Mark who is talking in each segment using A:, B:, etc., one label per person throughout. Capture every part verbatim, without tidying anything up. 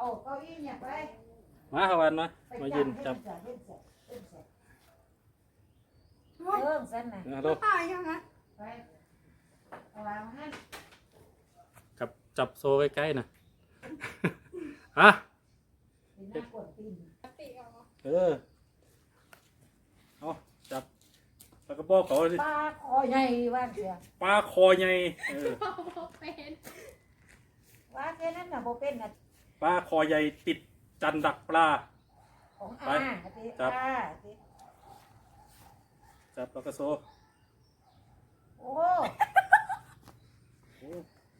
A: เอาเก้าอี้เนี่ยไป
B: มาขวันมามายืนจับ
A: เริ่มสั้นนะ
B: ฮัลโหล
C: ตายยังไง
A: ไปเอาวางให้
B: กับจับโซ่ใกล้ๆนะอ่ะ
A: เป็นหน้ากดตีน
B: เออเอาจับปลากระบอกเขาดิ
A: ปลาคอใหญ่ว่างเสีย
B: ปลาคอใหญ่เออ
A: ว่าแค่นั้นน่ะโบเป็นน่ะ
B: ปลาคอใหญ่ติดจันดักปลา
A: ของ
B: ไป
A: อาติ
B: จับ
A: อาติ
B: จับปลากระโซ่
A: โอ้
B: โอ้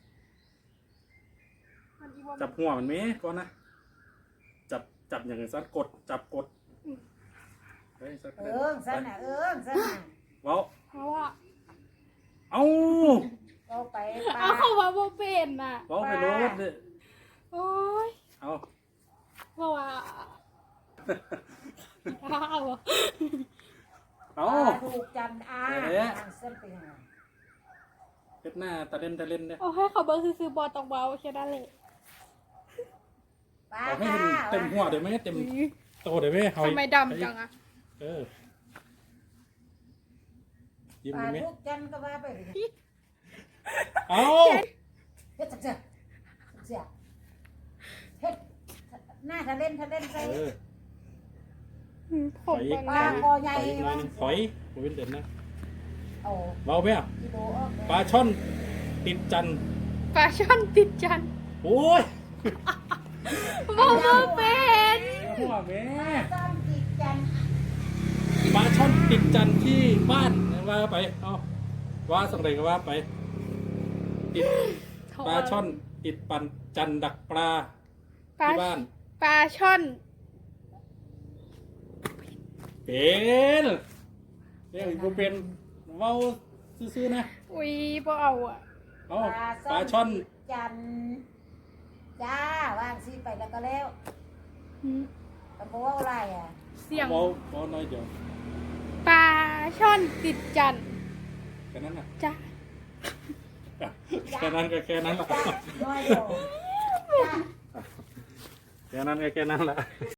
B: จับหัวมันไหมก่อนนะจับจับอย่างสั้นกดจับกดเฮ้ยสัก
A: เอิงสั้นน่ะเอิงสั้นน่ะ
B: เว้า
C: เพราะว่า
B: เอา
A: เอาไปปลา
C: เอาเขาว่าโบเป็นน่ะ
B: เว้าไปโลดเลย
C: โอ้ย
B: เอา
C: เพราะว่าข้าว
B: เอา
A: ปลาถูกจันอา
B: เอ๊ะ
A: เส้นเป็นยังไง
B: เฮ็ดหน้าตะเล่นตะเล่นเนี่ย
C: เอาให้เขาเบิร์ซื้อๆบอลตองเบาแค่นั้นเลย
A: ปลา
B: เอาให้
A: ค่ะ
B: เต็มหัวเดี๋ยวไหมเต็มโตเดี๋ยวไหมเฮา
C: ทำไมดำจังอะ
B: เออยิ้ม
A: ปลา
B: ได้ไหม
A: ถูกจันก็ว่าไปเลย
B: เอา
A: เฮ็ดจักเสียเสียเฮ็ดหน้าทะเล่นทะเล่นใส่
B: เออ
C: ผมเป็น
A: ปลาคอใหญ่
B: ถอยหน่อ
A: ว่าย ง
B: หนึงถอยบ่เป็นเด่นนะ
A: เอา
B: เบาไหมอ่ะ
A: กิโลออกเลย
B: ปลาช่อนติดจันทร์
C: ปลาช่อนติดจัน
B: โอ้ย
C: โบโบเป็น
B: หัวแม่
A: ต้นติดจัน
B: ปลาช่อนติดจันทร์ที่บ้านว่าไปเอาว่าสังเกตก็ว่าไปติดปลาช่อนติดปันจันทร์ดักปลา
C: ปลา
B: ที่บ้าน
C: ปลาช่อน
B: เป็นเรียกกูเป็นเว้าซื่อๆนะ
C: อุ้ยโบเอาอะ
B: เอาปลาช่อน
A: ติดจันจ้าวางซีไปแล้วก็แล้ว
C: หืม
A: ตะโกว่าอะไรอ่ะ
C: เสียง
B: เบาเบาน้อยเดียว
C: ปลาช่อนติดจัน
B: แค่นั้นน่ะ
C: จ้า
B: แค่นั้นก็แค่นั้นละ
A: จ้าน้อยเดียวจ้า
B: แค่นั้นก็แค่นั้นละ